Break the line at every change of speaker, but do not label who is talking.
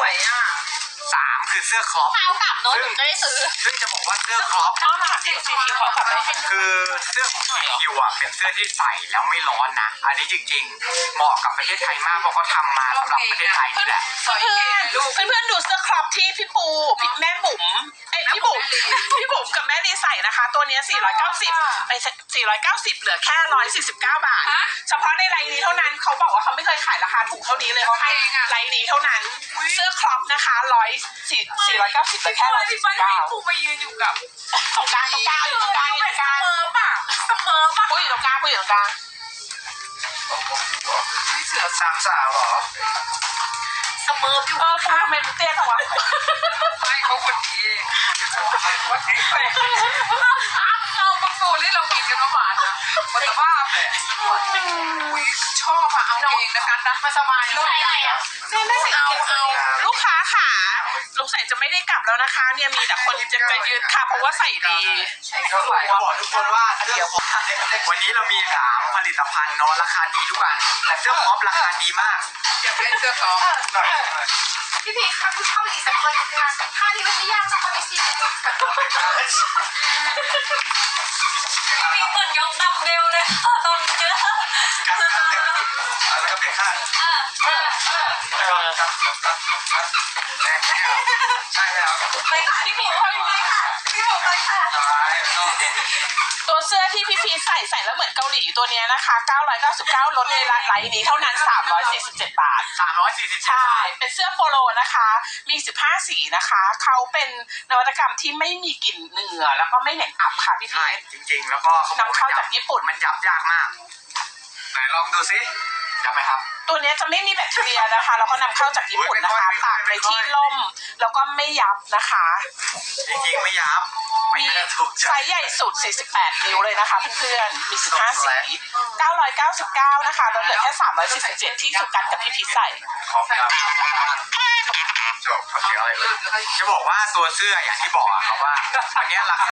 วยอ่ะ
3คือเสื้อครอป
เอากลับโน้ตหนูจะได้ซื้อ
ซึ่งจะบอกว่าเสื้อครอป
เอามาเด็กซีคิวเขากลับไปให้
คือเสื้อของคิวอ่ะเป็นเสื้อที่ใส่แล้วไม่ร้อนนะอันนี้จริงๆเหมาะกับประเทศไทยมากเพราะเขาทำมาสำหรับประเทศไทยนี่แหละ
เพื่อนดูเสื้อครอปที่พี่ปูแม่บุ๋มพี่บุ๋มกับแม่ลีใส่นะคะตัวนี้490ไป490เหลือแค่149 บาทเฉพาะในไลน์นี้เท่านั้นเขาบอกว่าเขาไม่เคยขายราคาถูกเท่านี้เลยเขาให้ไลน์นี้เท่านั้นเสื้อครอปนะคะ490เหลือแค่149ปูมายืนอยู่กับตรงกลางอยู่ตรงกลางเสมอป่ะปูอยู่ตรงกลางนี่เสือ3 สาวเหรอเสมออยู่ปูทำไมมึงเตี้ยจังวะไม่เขาคนดีวันนี้เราบางตัวที่เรากินกันหวานนะมันจะบ้าเลยชอบอะเอาเองนะกันนะมาสบายเลยนี่ไม่สิเอาลูกค้าค่ะลูกใส่จะไม่ได้กลับแล้วนะคะเนี่ยมีแต่คนจะยืนค่ะเพราะว่าใส่ดี
ก็บอกทุกคนว่าเดี๋ยววันนี้เรามี3ผลิตภัณฑ์เนาะราคาดีทุกอันแต่เสื้อครอปราคาดีมากอยากเล่นเสื้อครอป
พี่พีคำเข้าอีกสักคนค่ะท่านี้มันไม่ยากนะคนไม่ชินพี่เหมือนยกดัมเบลเลยตอนเยอะ
แล้วก็เปลี่ยนข้างใช่แล้ว
ไปค่ะพี่พีค่อยไปค่ะพี่ผมไปค่ะ
ตัวเสื้อที่พี่พีใส่แล้วเหมือนเกาหลีตัวนี้นะคะ999ลดในไลน์นี้เท่านั้น347 บาท
347
ใช่เป็นเสื้อโปโลนะคะมี15สีนะคะเขาเป็นนวัตกรรมที่ไม่มีกลิ่นเหงื่อแล้วก็ไม่เหน็บอับค่ะพี่พี
จริงๆแล้วก็
นำเข้าจากญี่ปุ่น
มันยับยากมากไหนลองดูซิยับไหมครับ
ตัวนี้จะไม่มีแบคทีเรียนะคะแล้วก็นำเข้าจากญี่ปุ่นนะคะตากในที่ร่มแล้วก็ไม่ยับนะคะ
จริงๆไม่ยับ
มีไซส์ใหญ่สุด48 นิ้วเลยนะคะเพื่อนๆมี15สี999นะคะลดเหลือแค่347ที่สุกันกับพี่พีใส่
จบเขาเสียอะไรเลยจะบอกว่าตัวเสื้ออย่างที่บอกอะครับว่าวันนี้ราคา